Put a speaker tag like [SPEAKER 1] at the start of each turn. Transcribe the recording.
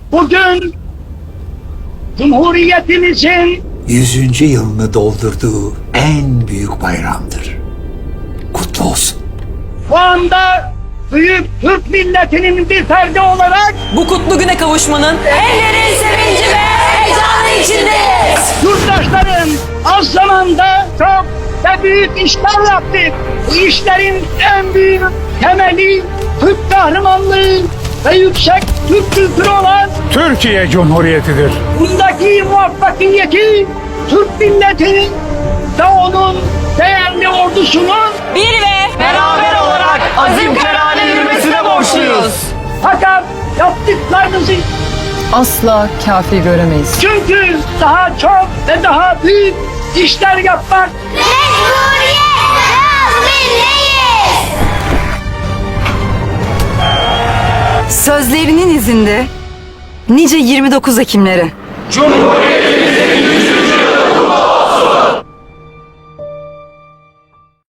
[SPEAKER 1] bugün Cumhuriyetimizin
[SPEAKER 2] 100. yılını doldurduğu en büyük bayramdır. Kutlu olsun.
[SPEAKER 1] şu anda büyük Türk milletinin bir ferdi olarak
[SPEAKER 3] Bu kutlu güne kavuşmanın ellerin sevinci ve heyecanı içindeyiz.
[SPEAKER 1] yurttaşların az zamanda çok ve büyük işler yaptık. Bu işlerin en büyük temeli Türk kahramanlığı ve yüksek Türk kültürü olan
[SPEAKER 4] Türkiye Cumhuriyeti'dir.
[SPEAKER 1] bundaki muvaffakiyeti Türk milletinin ve onun değerli ordusunun
[SPEAKER 3] Bir ve beraber olarak azim kararlı yürümesine borçluyuz.
[SPEAKER 1] fakat yaptıklarınızı
[SPEAKER 5] Asla kafi göremeyiz.
[SPEAKER 1] çünkü daha çok ve daha büyük işler yapmak
[SPEAKER 6] Mecburiyet azmindeyiz.
[SPEAKER 5] Sözlerinin izinde nice 29 Ekimlere.
[SPEAKER 1] Cumhuriyet